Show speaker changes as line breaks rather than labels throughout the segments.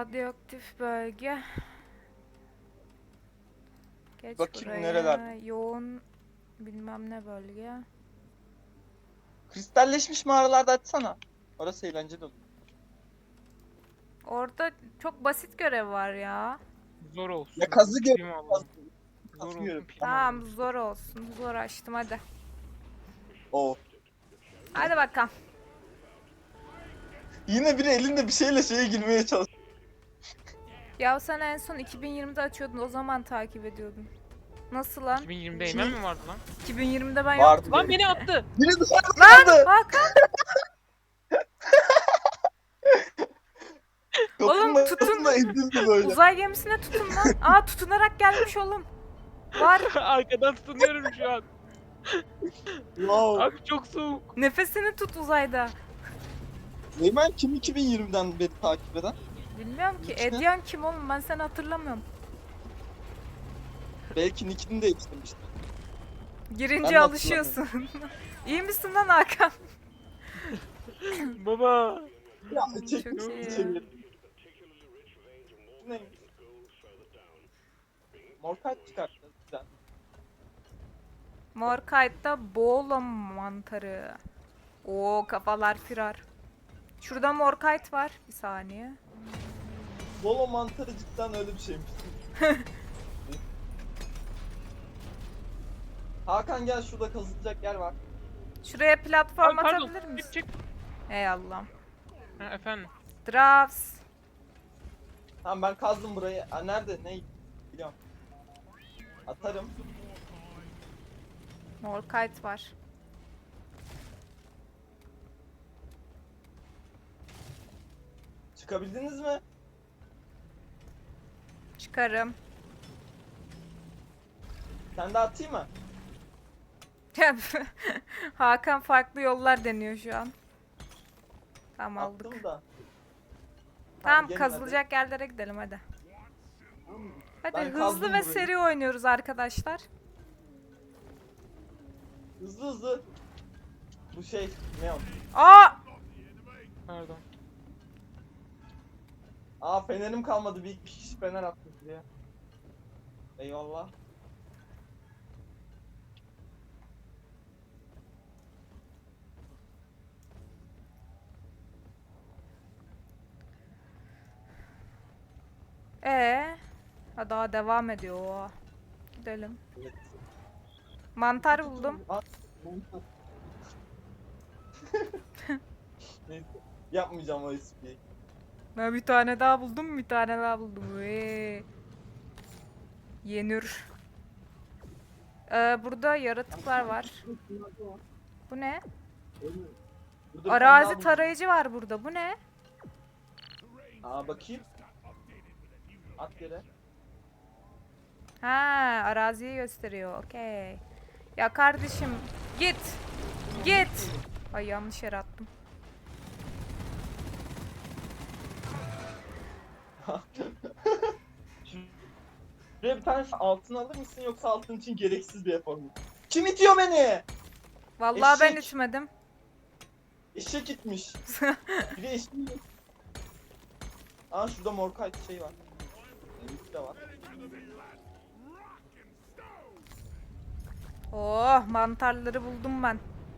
Radyoaktif bölge. Geç
Bakayım
buraya.
nereler?
Yoğun bilmem ne bölge.
Kristalleşmiş mağaralarda açsana. Orası eğlenceli olur.
Orada çok basit görev var ya.
Zor
Ya
olsun.
kazı
Prim
gör.
alalım. Zor
Kazı
olsun.
gör.
Prim
Tamam
alalım.
zor olsun. Zor açtım hadi.
Oo.
Hadi bakalım.
Yine biri elinde bir şeyle şeye girmeye çalışıyor.
Ya sen en son 2020'de açıyordun, o zaman takip ediyordum. Nasıl lan?
2020'de Eymen mi vardı lan?
2020'de ben
Vardı.
yoktum.
Lan beni attı.
Biri dışarıda
Lan
kaldı.
Hakan! Oğlum
Kapının
tutun.
arasında ezildi böyle.
Uzay gemisine tutun lan. Aa, tutunarak gelmiş oğlum. Var.
Arkadan tutunuyorum şu an.
Wow.
Abi çok soğuk.
Nefesini tut uzayda.
Eymen kim 2020'den beri takip eden?
Bilmiyorum ki.
Nick ne?
Edyan kim oğlum? Ben seni hatırlamıyorum.
Belki nickini değiştirmiştir. Ben
Girince
de
alışıyorsun. İyi misin lan Hakan?
Baba.
Ya
Çok
çekmiş
iyi.
içeri. Ne? Morkayt çıkarttı. Güzel.
Morkite'da boğula mantarı. Oo, kafalar firar. Şurada Morkite var. Bir saniye.
Bolo mantarı cidden öyle bir şeymiş. Hakan gel, şurada kazılacak yer var.
Şuraya platform
Abi pardon.
atabilir misin?
Çık.
Ey Allah'ım.
Ha, efendim.
Drafts.
Tamam ben kazdım burayı. Aa, nerede? Ne? Biliyorum. Atarım.
Morkite var.
Çıkabildiniz mi?
Çıkarım.
Sen de atayım mı?
Hakan farklı yollar deniyor şu an. Tamam, aldık.
Attım da.
Tamam,
gelin
kazılacak yerlere gidelim hadi. Hadi
Ben
hızlı
kazdım
ve
burayı.
seri oynuyoruz arkadaşlar.
hadi. Hızlı hızlı. Bu şey ne o?
Aa!
Pardon.
Aa, fenerim kalmadı. Bir kişi fener attı diye. Eyvallah.
Ha, daha devam ediyor o. Gidelim.
Evet.
Mantar buldum.
Aa, mantar. Neyse. Yapmayacağım o espriyi.
Ben bir tane daha buldum, bir tane daha buldum. Yenir. Burada yaratıklar var. Bu ne?
Burada bir tane daha
Arazi
buldum.
tarayıcı var burada. Bu ne?
Aa, bakayım. At yere.
Ha, araziyi gösteriyor. Okey. Ya kardeşim, git. Git. Ay, yanlış yere attım.
Şuraya bir tane altın alır mısın, yoksa altın için gereksiz bir efor mu? Kim itiyor beni?
Vallahi ben
Eşek.
içmedim.
Eşek gitmiş. Biri eşek. Aa, şurada morkayt şey var. Elbise de var.
Oh, mantarları buldum ben.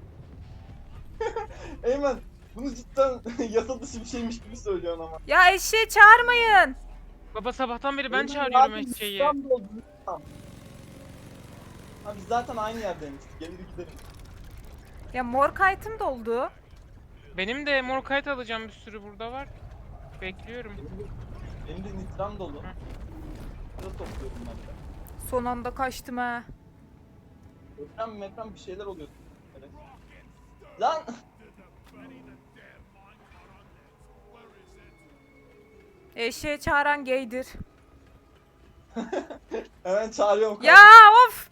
Eymen, bunu cidden yasa dışı bir şeymiş gibi söylüyorsun ama.
Ya eşeği çağırmayın.
Baba sabahtan beri ben
Eymen,
çağırıyorum
abi,
eşeği.
İstanbul, İstanbul. Ha, biz zaten aynı yerdeymiştik. Gelir gidelim.
Ya Morkite'ım doldu.
Benim de mor kayıt alacağım, bir sürü burada var. Bekliyorum.
Benim de nitram dolu. Burada topluyorum ben de.
Son anda kaçtım ha.
Ekran bir şeyler oluyor. Evet. Lan!
Eşeği çağıran gaydir.
Hemen çağırıyorum.
Ya of!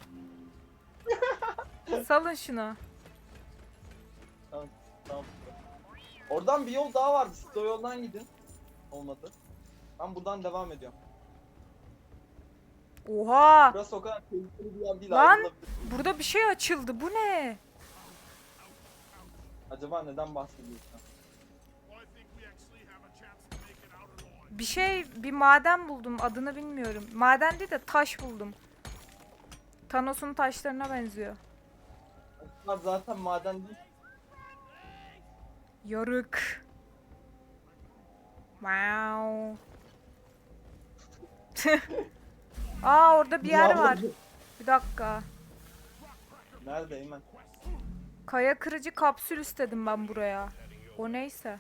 Salın şunu.
Tamam. Oradan bir yol daha vardı. Siz o yoldan gidin. Olmadı. Ben buradan devam ediyorum.
Oha!
Burası o kadar tehlikeli bir yer değil.
Lan!
ayrılabilir.
Burada bir şey açıldı. Bu ne?
Acaba neden bahsediyorsun?
bir maden buldum. Adını bilmiyorum. Maden değil de taş buldum. Thanos'un taşlarına benziyor.
Bunlar zaten maden değil.
Yarık. Wow. Aa, orada bir yer var. Bir dakika.
Nerede Eymen?
Kaya kırıcı kapsül istedim ben buraya. O neyse.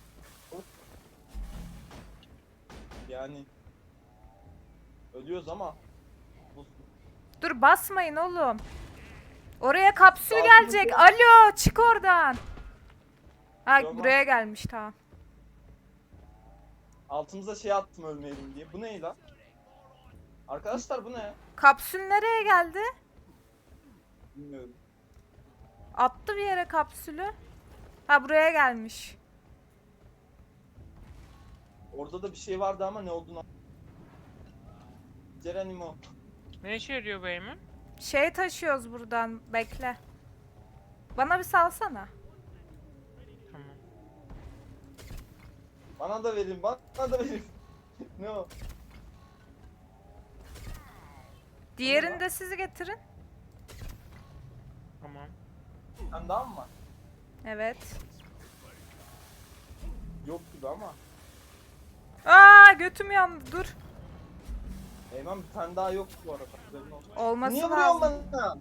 Yani ölüyoruz ama
Dur, basmayın oğlum. Oraya kapsül
Sakin
gelecek.
ol.
Alo, çık oradan. Ha,
Tamam.
buraya gelmiş, tamam.
altımıza şey attım ölmeyelim diye. Bu ne lan? Arkadaşlar bu ne?
Kapsül nereye geldi?
Bilmiyorum.
Attı bir yere kapsülü. Ha, buraya gelmiş.
Orada da bir şey vardı ama ne olduğunu Geronimo.
Ne işe yarıyor bu Eymen?
Şey taşıyoruz buradan. Bekle. Bana bir salsana.
Tamam.
Bana da verin, bana da verin. Ne o?
Diğerini de siz getirin.
Tamam.
Sen daha mı var?
Evet.
Yok gibi ama.
Aa, götüm yandı. Dur.
Eymen bir tane daha yok bu arada. Haberin olsun.
Olması
Niye vuruyorsun
lazım.
bana?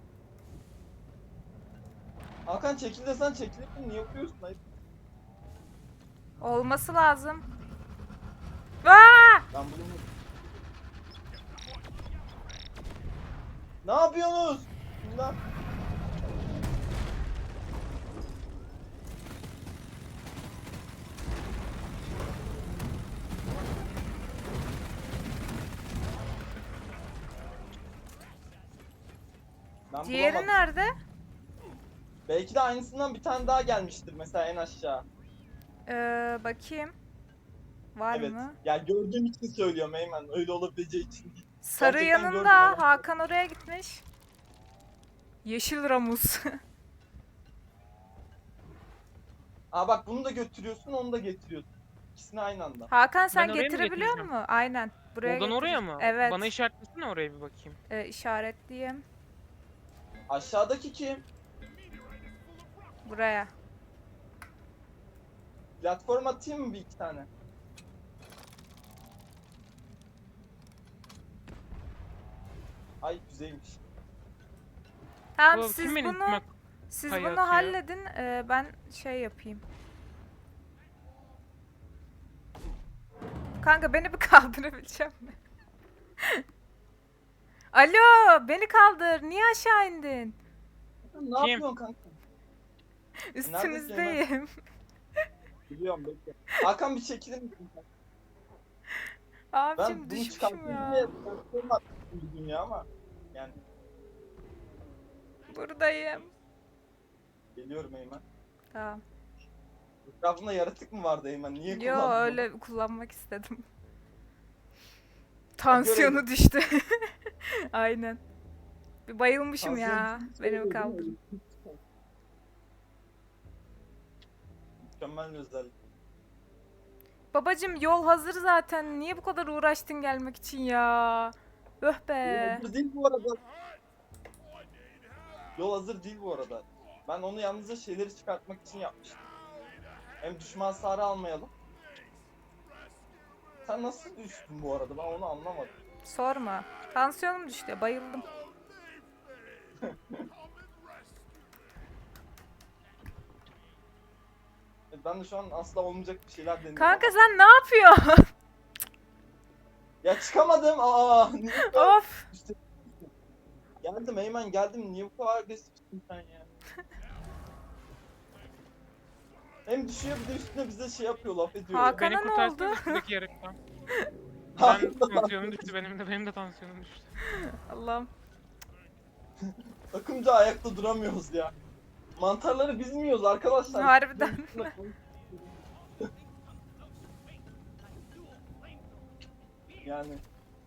Hakan çekil desen çekilir mi? Niye vuruyorsun? Hayır.
Olması lazım. Aa!
Ben bunu... Ne yapıyorsunuz? Bunlar... Ben
Diğeri
bulamadım.
nerede?
Belki de aynısından bir tane daha gelmiştir mesela en aşağı.
Bakayım. Var
Evet.
mı?
Ya gördüğüm için söylüyorum Eymen. Öyle olabileceği için değil.
Sarı
Gerçekten
yanında.
gördüm, evet.
Hakan oraya gitmiş. Yeşil Ramus.
Aa bak bunu da götürüyorsun, onu da getiriyorsun. İkisini aynı anda.
Hakan, sen
Ben oraya mı
getirebiliyor
getireceğim?
musun? Aynen. Buraya
Oradan oraya
getir.
mı?
Evet.
Bana işaretlesene oraya bir bakayım.
İşaretleyeyim.
Aşağıdaki kim?
Buraya.
Platform atayım mı bir iki tane? Ay güzelmiş.
Tamam,
Bu
siz
kim benim
bunu
üstüme
siz
kayı
bunu
atıyor?
halledin. Ben şey yapayım. Kanka, beni bir kaldırabilecek misin? Alo, beni kaldır. Niye aşağı indin?
Ne yapıyorsun kanka?
Üstünüzdeyim.
Biliyorum bekle. Hakan bir çekilir misin? Ben
Abicim,
bunu
düşmüşüm
çıkarttım
ya.
diye platform attım bir dünya ama. Yani
Buradayım.
geliyorum Eymen.
Tamam.
Etrafında yaratık mı vardı Eymen? Niye
Yo,
kullandın
öyle kullanmak istedim. Tansiyonu
görelim.
düştü. Aynen. Bir bayılmışım
onu?
ya. Beni
Tansiyon
kaldır.
Mükemmel bir özellik.
Babacım, yol hazır zaten. Niye bu kadar uğraştın gelmek için ya? Öh be.
Yol hazır değil bu arada. Yol hazır değil bu arada. Ben onu yalnızca şeyleri çıkartmak için yapmıştım. Hem düşman hasarı almayalım. Sen nasıl düştün bu arada? Ben onu anlamadım.
Sorma. Tansiyonum düştü. Bayıldım.
Ben de şu an asla olmayacak bir şeyler deniyorum
Kanka,
ama.
sen ne yapıyorsun?
Ya çıkamadım. Aa, niye bu kadar
Of.
üstüne- Geldim Eymen geldim. Niye bu kadar agresifsin sen ya? Hem düşüyor bir de üstüne bize şey yapıyor, laf ediyor. ya.
Hakan-
Beni
Kana ne
kurtarsana
oldu?
üstündeki yarıktan.
Hakan
Ben tansiyonum düştü benim de tansiyonum düştü.
Allah'ım.
Takımca ayakta duramıyoruz ya. Mantarları biz mi yiyoruz arkadaşlar?
Harbiden.
Yani.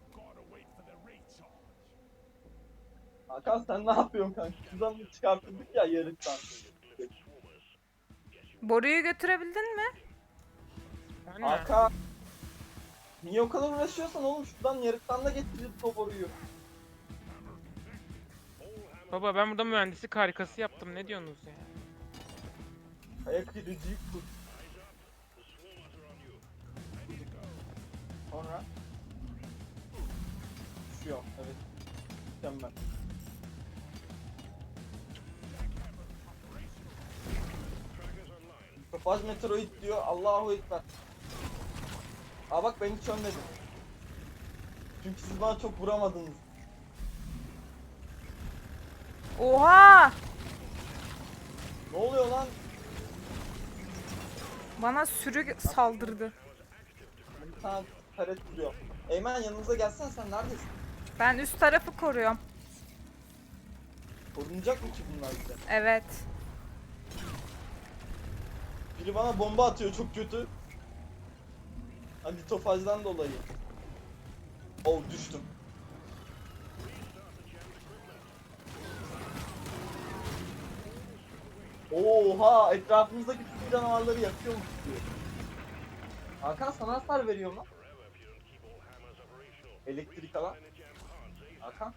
Hakan sen ne yapıyorsun kanka? Şuradan çıkartıldık ya yarıktan.
Boruyu götürebildin mi?
Ben mi?
Hakan Niye o kadar uğraşıyorsan oğlum, şuradan yarıktan da getirip toporuyor.
Baba ben burada mühendislik harikası yaptım. Ne diyorsunuz ya?
Ayak kırıcıyı tut. Sonra düşüyor. Evet. Mükemmel. Topaz Meteoroid diyor. Allahu Ekber. Aa bak, ben hiç ölmedim. Çünkü siz bana çok vuramadınız.
Oha!
Ne oluyor lan?
Bana sürü saldırdı.
Bir tane taret duruyor. Eymen yanımıza gelsen, sen neredesin?
Ben üst tarafı koruyorum.
Korunacak mı ki bunlar bize?
Evet.
Biri bana bomba atıyor, çok kötü. Hani tofajdan dolayı. Oh, düştüm. Oha, etrafımızdaki tüm canavarları yakıyormuş diyor. Hakan, sana hasar veriyor mu? Elektrik alan. Hakan.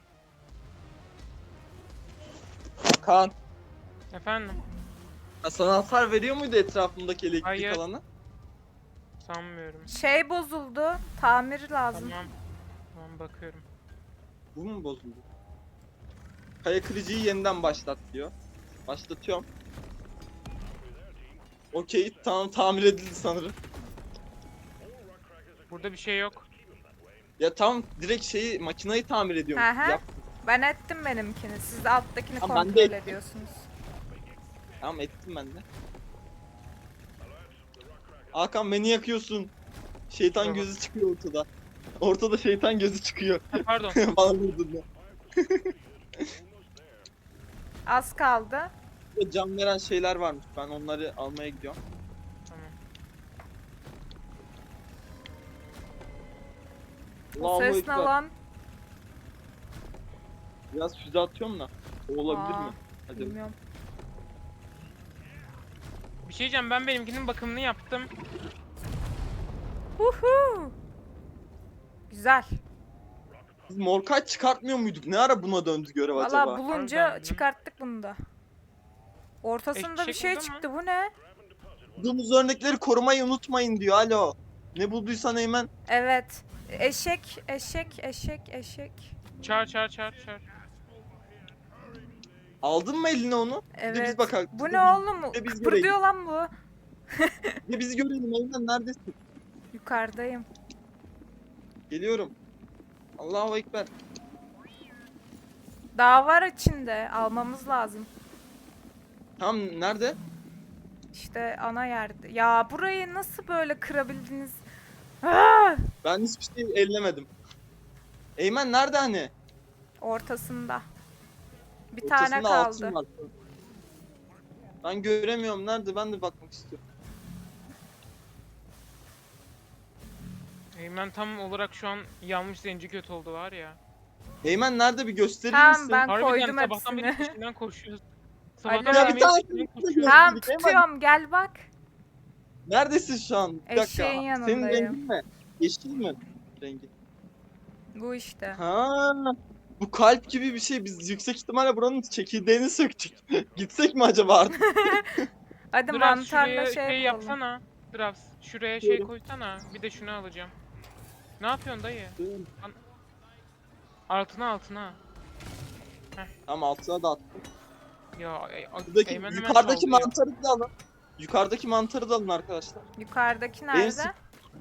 Hakan.
Efendim?
Ha, sana hasar veriyor muydu etrafımdaki elektrik
Hayır.
alanı?
Sanmıyorum.
Şey bozuldu. Tamir lazım.
Tamam. Tamam bakıyorum.
Bu mu bozuldu? Kaya kırıcıyı yeniden başlat diyor. Başlatıyorum. Okey, tamam, tamir edildi sanırım.
Burada bir şey yok.
Ya tam direkt şeyi, makinayı tamir ediyorum.
Aha.
Yap.
Ben ettim benimkini. Siz de alttakini
Ama ben de
kontrol
ettim.
ediyorsunuz.
Tamam, ettim ben de. Hakan, beni yakıyorsun. Şeytan
Tamam.
gözü çıkıyor ortada. Ortada şeytan gözü çıkıyor.
Ha, pardon.
Bana vurdun ya.
Az kaldı.
Burada can veren şeyler varmış. Ben onları almaya gidiyorum.
Tamam.
O
Allahu
ses ne
Ekber.
lan?
Biraz füze atıyorum da. O olabilir
Aa,
mi? Hadi.
Bilmiyorum.
Bir şey diyeceğim, ben benimkinin bakımını yaptım.
Uhu. Güzel.
Biz Morkay çıkartmıyor muyduk? Ne ara buna döndü görev acaba?
Valla bulunca
Harbiden.
çıkarttık bunu da. Ortasında bir
Eşek
şey
burada mı?
çıktı. Bu ne?
Bulduğumuz örnekleri korumayı unutmayın diyor. Alo. Ne bulduysan Eymen.
Evet. Eşek, eşek.
Çağır.
Aldın mı eline onu? Bir de biz
Evet.
bakalım.
Bu ne oğlum?
Bir de biz
Kıpırdıyor lan bu.
Bir de bizi görelim Eymen, neredesin?
Yukarıdayım.
Geliyorum. Allahu Ekber.
Daha var içinde. Almamız lazım.
Tam nerede?
İşte ana yerde. Ya burayı nasıl böyle kırabildiniz? Ah!
Ben hiçbir şey ellemedim. Eymen nerede hani?
Ortasında. Bir
Ortasında
tane
altın
kaldı.
var. Ben göremiyorum, nerede? Ben de bakmak istiyorum.
Eymen tam olarak şu an yanmış zenci kötü oldu var ya.
Eymen nerede, bir gösterir
Tamam,
misin?
ben
Harbiden
koydum
sabahtan beri
hepsini.
peşinden koşuyoruz.
Alo.
Sabahtan
Ya
beri
bir tane
peşinden
kırmızı
koşuyoruz.
Tamam
Eymen.
tutuyorum, gel bak.
Neredesin şu an? Bir dakika.
Eşeğin
Senin
yanındayım.
rengin ne? Yeşil mi? Rengi.
Bu işte.
Ha, bu kalp gibi bir şey. Biz yüksek ihtimalle buranın çekirdeğini söktük. Gitsek mi acaba artık?
Hadi
Dravs
mantarla
şuraya
şey
şey
yapalım.
yapsana. Dravs şuraya şey
Diyorum.
koysana. Bir de şunu alacağım. Ne yapıyorsun dayı? Altına.
Tamam, altına da attım.
Ya
Buradaki,
Eymen hemen
yukarıdaki
sallıyor.
mantarı da alın. Yukarıdaki mantarı da alın arkadaşlar.
Yukarıdaki
Benim
nerede?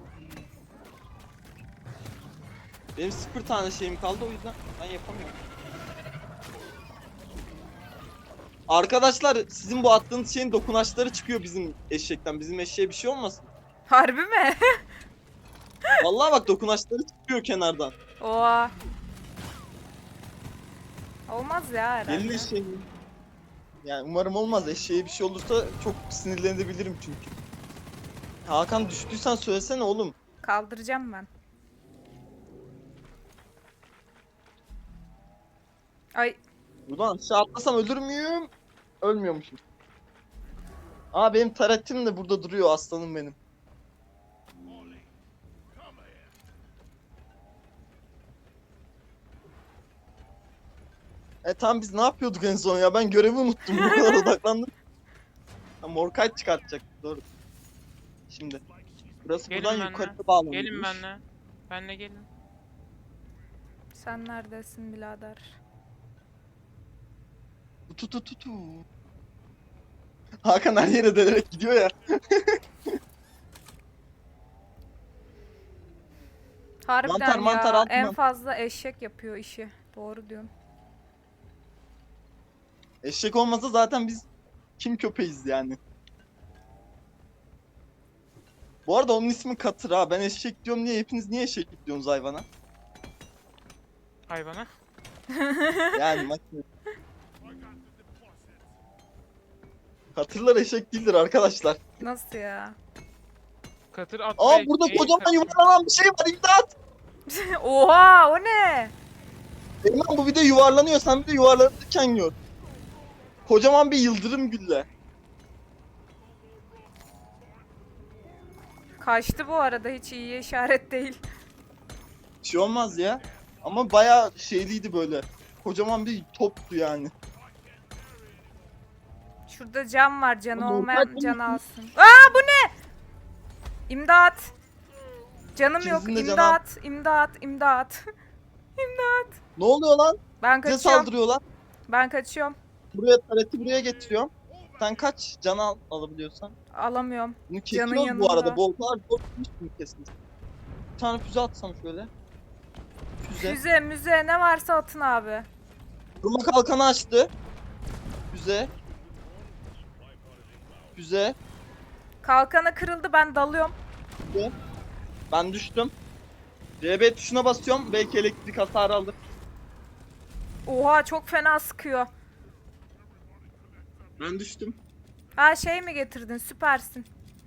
Benim 0 tane şeyim kaldı, o yüzden ben yapamıyorum. Arkadaşlar, sizin bu attığınız şeyin dokunaçları çıkıyor bizim eşekten. Bizim eşeğe bir şey olmasın.
Harbi mi?
Vallahi bak, dokunaçları çıkıyor kenardan.
Oha. Olmaz ya herhalde.
Gelin eşeğin. Yani umarım olmaz. Eşeğe bir şey olursa çok sinirlenebilirim çünkü. Hakan, düştüysen söylesene oğlum.
Kaldıracağım ben. Ay
Buradan aşağı atlasam ölür müyüm? Ölmüyormuşum. Aa, benim taretim de burada duruyor, aslanım benim. Tamam biz ne yapıyorduk en son ya? Ben görevi unuttum. Bu kadar odaklandım. Ha, Morkite çıkartacak. Doğru. Şimdi. Burası
Gelin
buradan
benimle.
yukarıda bağlanıyormuş.
Gelin benimle. Benimle gelin.
Sen neredesin birader?
Tu. Hakan her yere delerek gidiyor ya.
Harbiden
Mantar
ya.
altına.
En fazla eşek yapıyor işi. Doğru diyorsun.
Eşek olmasa zaten biz kim köpeğiz yani. Bu arada onun ismi Katır ha. Ben eşek diyorum niye? Hepiniz niye eşek diyorsunuz hayvana?
Hayvana.
Yani makine. Katırlar eşek değildir arkadaşlar.
Nasıl ya?
Katır at
Aa
ve
burada
şey,
kocaman
katır.
yuvarlanan bir şey var, imdat!
Oha, o ne?
Eymen bu bir de yuvarlanıyor, sen bir de yuvarlanırken gör. Kocaman bir yıldırım gülle.
Kaçtı bu arada, hiç iyi işaret değil.
Bir şey olmaz ya. Ama bayağı şeyliydi böyle. Kocaman bir toptu yani.
Şurada cam var, canı
Ama
olmayan
normal
can
değil.
alsın. Aa, bu ne? İmdat. Canım yok,
İkinizin de canı
imdat, imdat, imdat. İmdat.
Ne oluyor lan?
Ben
Bize
kaçıyorum.
saldırıyorlar.
Ben kaçıyorum.
Buraya tareti buraya getiriyorum. Sen kaç can alabiliyorsan.
Alamıyorum.
Bunu
Canın
kesiyoruz bu arada.
yanında.
Boltlar boltmuş bunu kesmiş. Bir tane füze atsam şöyle. Füze.
Füze, müze, ne varsa atın abi.
Durma kalkanı açtı. Füze. Füze.
Kalkanı kırıldı, ben dalıyorum.
Ben düştüm. CB tuşuna basıyorum. Belki elektrik hasarı alır.
Oha, çok fena sıkıyor.
Ben düştüm.
Ha, şey mi getirdin? Süpersin.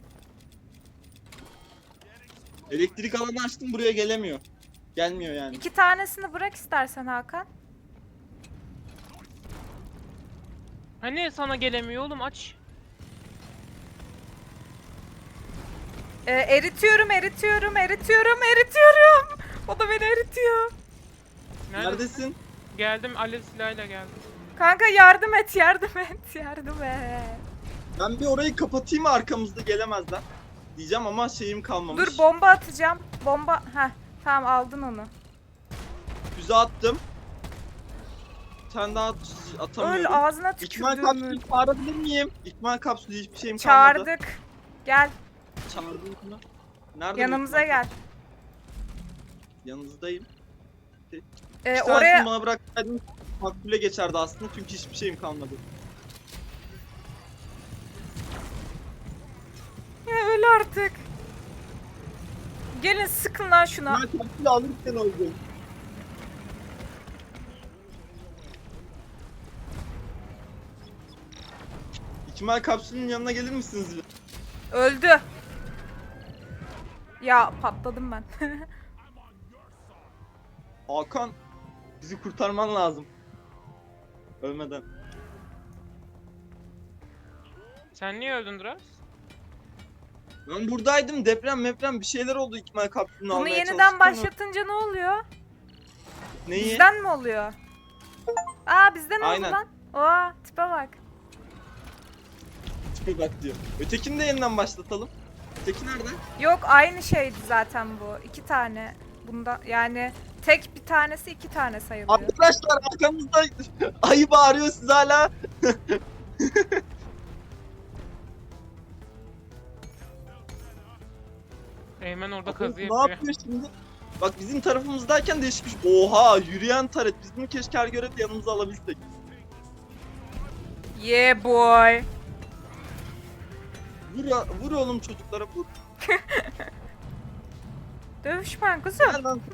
Elektrik alanı açtım, buraya gelemiyor. Gelmiyor yani.
2 tanesini bırak istersen Hakan.
Hani sana gelemiyor oğlum, aç.
Eritiyorum. O da beni eritiyor.
Neredesin?
Geldim, alev silahıyla geldim.
Kanka yardım et.
Ben bir orayı kapatayım, arkamızda gelemezler. Diyeceğim ama şeyim kalmamış.
Dur, bomba atacağım. Bomba. Heh, tamam, aldın onu.
Füze attım. Bir tane daha atamıyorum.
Öl, ağzına
İkmal
tükürdüğümü.
kapsülü çağırabilir miyim? İkmal kapsülü hiçbir şeyim kalmadı.
Çağırdık. Gel,
Çağırdım mı? Nerede bu
yanımıza
ikmal
gel.
Yanınızdayım.
Oraya
Oraya... bana bıraksaydın makbule geçerdi aslında çünkü hiçbir şeyim kalmadı.
öl artık. Gelin, sıkın lan şuna.
Ben kapsülü alırken öldüm. İkmal kapsülün yanına gelir misiniz?
Öldü. Ya patladım ben.
Hakan, bizi kurtarman lazım. Ölmeden.
Sen niye öldün Duras?
Ben buradaydım, deprem bir şeyler oldu, ikmal kapsülünü
Bunu
almaya
yeniden
çalıştım ama-
başlatınca ne oluyor?
Neyi?
Bizden mi oluyor? Aa, bizden oldu
Aynen.
lan. Oha, tipe bak.
Tipe bak diyor. Ötekini de yeniden başlatalım. Öteki nerede?
Yok, aynı şeydi zaten bu. 2 tane. Bunda yani tek bir tanesi 2 tane sayılıyor.
Arkadaşlar arkamızda ayı bağırıyor, siz hala.
Eymen orada
Ne
kazı yapıyor.
yapıyor şimdi? Bak bizim tarafımızdayken değişmiş. Oha, yürüyen taret. Biz bunu keşke her görevde yanımıza alabilsek.
Yeah boy.
Vur oğlum çocuklara, vur.
Dövüşmen kızım.
Helal lan.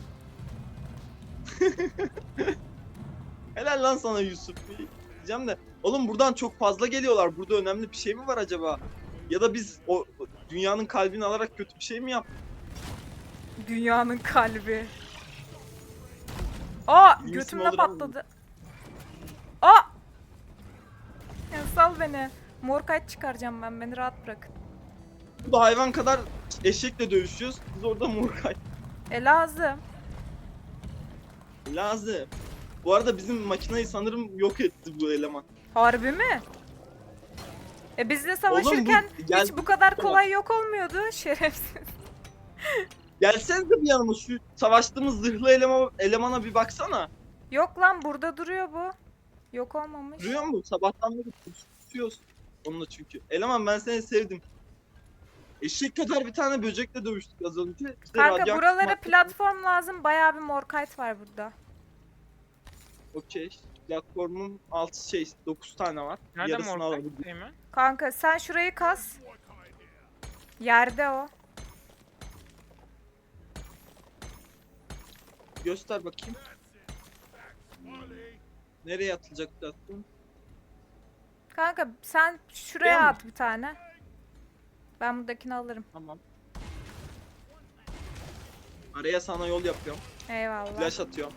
Helal lan sana Yusuf. Diyeceğim de. Oğlum buradan çok fazla geliyorlar. Burada önemli bir şey mi var acaba? Ya da biz o dünyanın kalbini alarak kötü bir şey mi yaptık?
Dünyanın kalbi. Aa,
İyi misin
götümde
oğlum?
patladı. Aa! Ya sal beni. Morkite çıkaracağım ben. Beni rahat bırakın.
Burada hayvan kadar eşekle dövüşüyoruz. Biz orada Murkay.
Lazım.
Lazım. Bu arada bizim makinayı sanırım yok etti bu eleman.
Harbi mi? Bizle savaşırken
gel-
hiç bu kadar kolay yok olmuyordu şerefsiz.
Gelsenize bir yanıma, şu savaştığımız zırhlı elemana bir baksana.
Yok lan, burada duruyor bu. Yok olmamış.
Duruyor mu? Sabahtan beri tutuyoruz onunla çünkü. Eleman ben seni sevdim. Eşek kadar bir tane böcekle dövüştük az önce. İşte
Kanka
radyoaktif
buralara
madde-
platform lazım. Bayağı bir morkite var burada.
Okey. Platformun 9 tane var.
Nerede
Yarısını
Morkite?
alabilirim.
Eymen?
Kanka sen şurayı kaz. Yerde o.
Göster bakayım. Nereye atılacak platform?
Kanka sen şuraya
Buraya mı?
at bir tane. Ben buradakini alırım.
Tamam. Araya sana yol yapıyorum.
Eyvallah.
Flash atıyorum.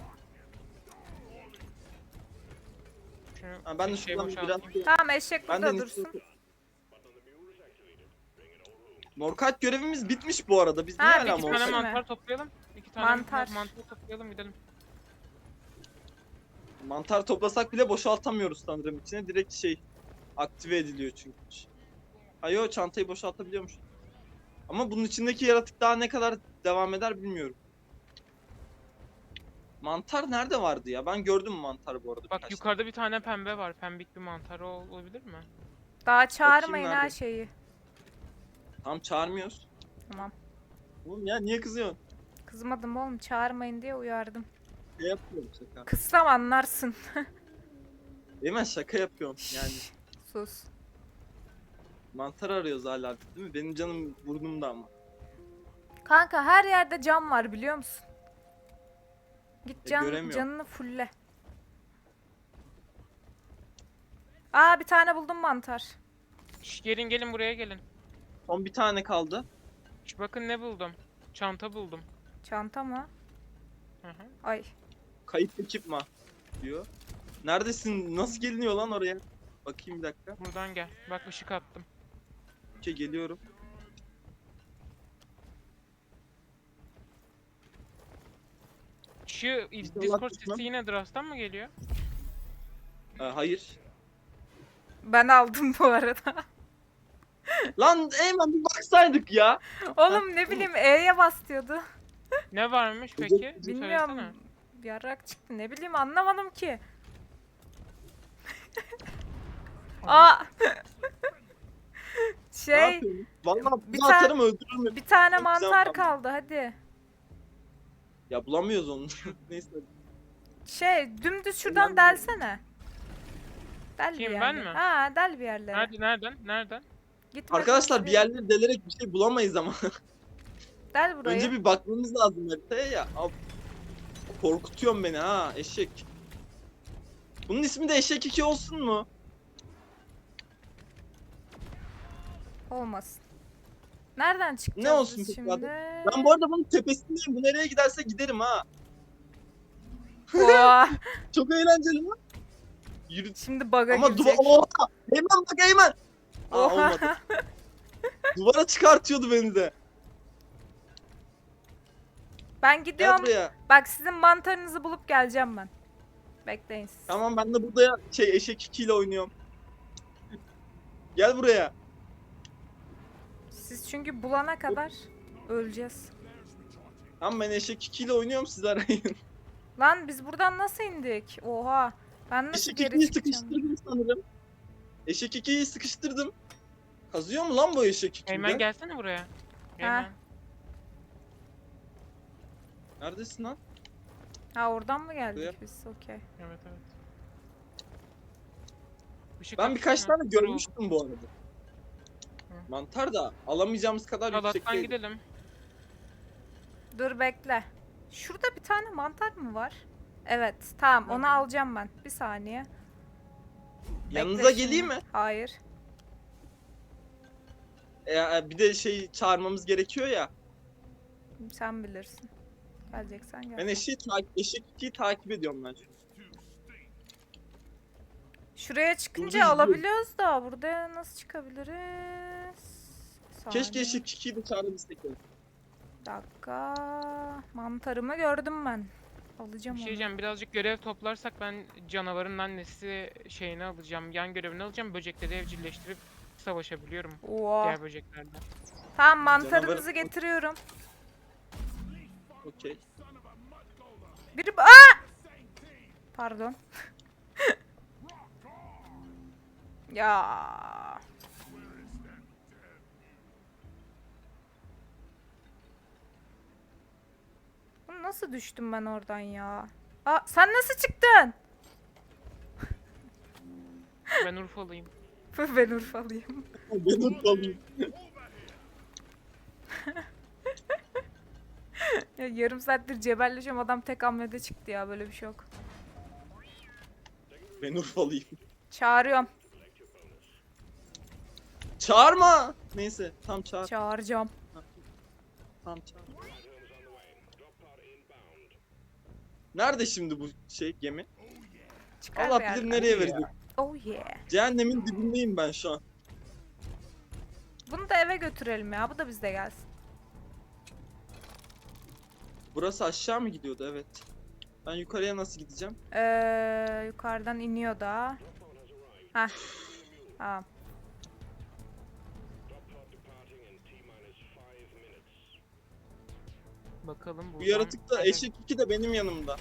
Şunu
Ha, ben de
şey
şuradan biraz...
boşaltayım.
Tamam, eşek
Ben
burada
de
dursun.
Morkite görevimiz bitmiş bu arada. Biz
Ha,
niye hala
İki
bitmiş
tane
mi?
mantar toplayalım. İki tane
Mantar.
mantar toplayalım gidelim.
Mantar toplasak bile boşaltamıyoruz sanırım içine. Direkt aktive ediliyor çünkü. Hayır, çantayı boşaltabiliyormuş. Ama bunun içindeki yaratık daha ne kadar devam eder bilmiyorum. Mantar nerede vardı ya? Ben gördüm mantar bu arada.
Bak
birkaç
yukarıda bir tane pembe var. Pembik bir mantar olabilir mi?
Daha çağırmayın
nerede?
her şeyi.
tane. Tam çağırmıyoruz.
Tamam.
Oğlum ya niye kızıyorsun?
Kızmadım oğlum, çağırmayın diye uyardım.
Ne yapıyorum şaka?
Kızsam anlarsın.
Hemen şaka yapıyorum yani.
Sus.
Mantar arıyoruz hala değil mi? Benim canım burnumda ama.
Kanka her yerde cam var biliyor musun? Git
göremiyorum.
canını fulle. Aa, bir tane buldum mantar.
Şş, gelin buraya gelin.
Son bir tane kaldı.
Şş, bakın ne buldum. Çanta buldum.
Çanta mı?
Hı hı.
Ay.
Kayıp ekipma diyor. Neredesin? Nasıl geliniyor lan oraya? Bakayım bir dakika.
Buradan gel. Bak ışık attım.
Okey, geliyorum.
Şu
İnşallah
Discord
tutmam.
sesi yine Drast'tan mı geliyor?
Hayır.
Ben aldım bu arada.
Lan Eymen bir baksaydık ya.
Oğlum ne bileyim, E'ye bas diyordu.
Ne varmış
Böcek-
peki?
Bilmiyorum.
Söylesene.
Yarrak çıktı, ne bileyim, anlamadım ki. Aa.
Ne
Şey,
yapıyorsun? Vallahi
bir
bir
tane-
atarım öldürürüm.
bir tane
Çok güzel
mantar
tam.
kaldı hadi.
Ya bulamıyoruz onu. Neyse.
Dümdüz şuradan
Önemli.
delsene. Del bir
Kim, ben
yerlere.
mi?
Ha, del bir yerlere.
Nereden?
Gitme,
Arkadaşlar bir
koşuyor.
yerleri delerek bir şey bulamayız ama.
Del burayı.
Önce bir bakmamız lazım haritaya ya. Abi, korkutuyorsun beni ha eşek. Bunun ismi de eşek 2 olsun mu?
Olmasın. Nereden çıkacağız
Ne olsun
biz
peki
şimdi?
adı? Ben bu arada bunun tepesindeyim. Bu nereye giderse giderim ha.
Oha,
Çok eğlenceli lan. Yürü.
şimdi bug'a
Ama
girecek.
Oha! Eymen bak Eymen! Aa,
Oha.
olmadı. Duvara çıkartıyordu beni de.
Ben
Gel
gidiyorum.
buraya.
Bak, sizin mantarınızı bulup geleceğim ben. Bekleyin siz.
Tamam ben de burada eşek 2 ile oynuyorum. Gel buraya.
Siz çünkü bulana kadar öleceğiz.
Tamam ben eşek 2 ile oynuyorum, siz arayın.
Lan biz buradan nasıl indik? Oha. Ben nasıl
Eşek
geri
2'yi
çıkacağım?
sıkıştırdım sanırım. Eşek 2'yi sıkıştırdım. Kazıyor mu lan bu eşek 2'yi?
Eymen gelsene buraya. Eymen.
Neredesin lan?
Ha, oradan mı geldik
Buraya.
biz? Okey.
Evet. Işık
Ben birkaç
atsana.
tane görmüştüm bu arada.
Hı.
Mantar da alamayacağımız kadar yüksek
Halattan
değil.
gidelim.
Dur bekle. Şurada bir tane mantar mı var? Evet. Tamam, onu
Nerede?
alacağım ben. Bir saniye.
Yanınıza
Bekle
geleyim
şimdi.
mi?
Hayır.
Bir de çağırmamız gerekiyor ya.
Sen bilirsin. Geleceksen gel.
Ben eşek 2'yi takip ediyorum ben şu an.
Şuraya çıkınca
Dur.
alabiliyoruz da burada nasıl çıkabiliriz? Bir
Keşke
saniye.
eşek 2'yi de çağırabilsek. ya.
Bir dakika. Mantarımı gördüm ben. Alacağım
Bir şey
onu.
diyeceğim, birazcık görev toplarsak ben canavarın annesi şeyini alacağım, yan görevini alacağım. Böcekleri evcilleştirip savaşabiliyorum
Oo.
diğer böceklerle.
Tamam, mantarınızı
Canavarı-
getiriyorum.
Okey.
Biri... Aa! Pardon. Ya. Oğlum nasıl düştüm ben oradan ya? Aa, sen nasıl çıktın?
Ben Urfalıyım.
Ben Urfalıyım.
Ben Urfalıyım.
Ya, yarım saattir cebelleşiyorum, adam tek hamlede çıktı ya, böyle bir şey yok.
Ben Urfalıyım.
Çağırıyorum.
Çağırma. Neyse tam çağır.
Çağıracağım.
Tam çağır. Nerede şimdi bu gemi?
Çıkar
Allah
bir yerden.
bilir nereye verecek.
Oh yeah.
Cehennemin dibindeyim ben şu an.
Bunu da eve götürelim ya. Bu da bizde gelsin.
Burası aşağı mı gidiyordu? Evet. Ben yukarıya nasıl gideceğim?
Yukarıdan iniyor da. Heh. Tamam.
Bakalım
Bu
buradan.
yaratık da eşek 2 de benim yanımda.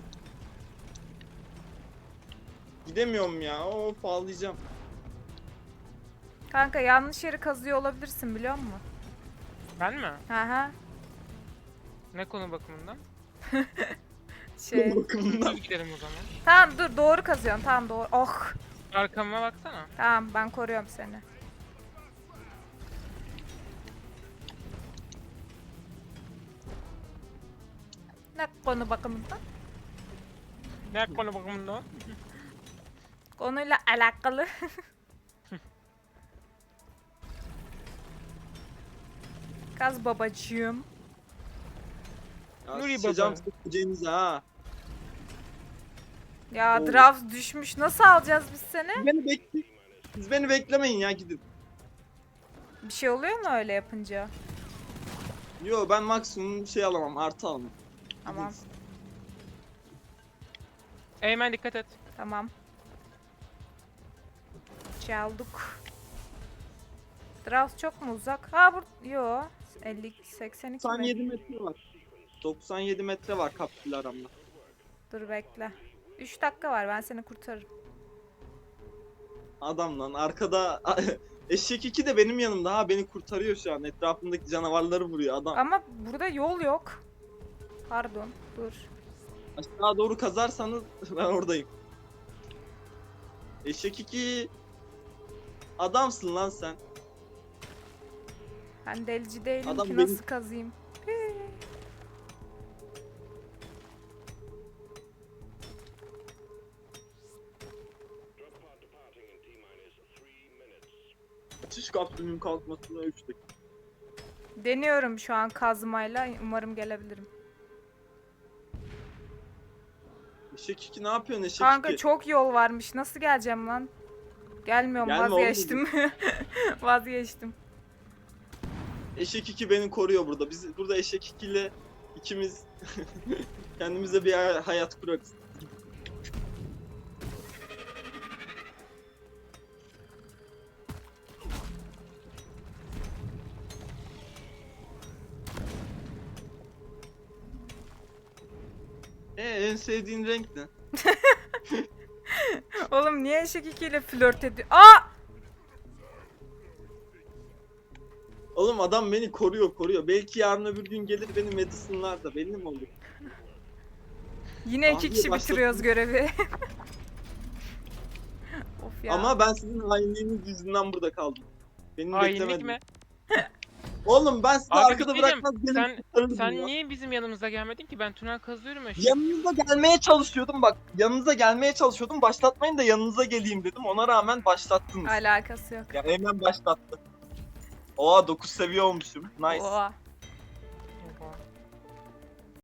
Gidemiyorum ya. Of ağlayacağım.
Kanka, yanlış yeri kazıyor olabilirsin, biliyor musun?
Ben mi?
Hı.
Ne konu bakımından?
Şey.
Bakımından.
Düz gidelim o zaman.
Tamam, dur, doğru kazıyorsun. Tamam, doğru. Oh.
Arkama baksana.
Tamam, ben koruyorum seni. Ne konu bakımından?
Ne konu bakımından?
Konuyla alakalı. Kaz babacığım.
Ya
Nuri
sıçacağım
baba.
sıkacağınızı ha.
Ya
Oo.
draft düşmüş. Nasıl alacağız biz seni?
Siz beni beklemeyin ya gidin.
Bir şey oluyor mu öyle yapınca?
Yo ben maksimum alamam artı alamam.
Tamam.
Gidin.
Eymen dikkat et.
Tamam. Çaldık. Draft çok mu uzak? Ha, yo. 50 82
97
metre.
metre var. 97 metre var kapsül aramda.
Dur bekle. 3 dakika var, ben seni kurtarırım.
Adam lan arkada eşek 2 de benim yanımda ha beni kurtarıyor şu an. Etrafındaki canavarları vuruyor adam.
Ama burada yol yok. Pardon. Dur.
Aşağı doğru kazarsanız ben oradayım. Eşek 2 adamsın lan sen.
Ben delici değilim
Adam
ki,
benim-
nasıl kazıyım?
Açış kapsülünün kalkmasına 3 dakika.
Deniyorum şu an kazmayla. Umarım gelebilirim.
Eşek 2 ne yapıyorsun eşek
Kanka
2?
çok yol varmış. Nasıl geleceğim lan? Gelmiyorum,
Gelme oğlum.
vazgeçtim. Vazgeçtim.
Eşek 2 beni koruyor burada. Biz burada eşek 2 ile ikimiz kendimize bir hayat kurarız. En sevdiğin renk ne?
Oğlum niye eşek 2 ile flört ediyor? Aa!
Oğlum adam beni koruyor. Belki yarın öbür gün gelir beni Madison'lar da belli mi olur?
Yine 2
Abi
kişi
başladı.
bitiriyoruz görevi. Of ya.
Ama ben sizin hainliğiniz yüzünden burada kaldım. Beni
Hainlik
beklemedin.
mi?
Oğlum ben sizi
Abi
arkada
bir şey diyeceğim.
bırakmaz gelin
Sen,
kurtarırdım
sen
ya.
niye bizim yanımıza gelmedin ki? Ben tünel kazıyorum ya.
Yanınıza gelmeye çalışıyordum bak. Yanınıza gelmeye çalışıyordum. Başlatmayın da yanınıza geleyim dedim. Ona rağmen başlattınız.
Alakası yok.
Ya hemen başlattı. Oha 9 seviye olmuşum. Nice.
Oha.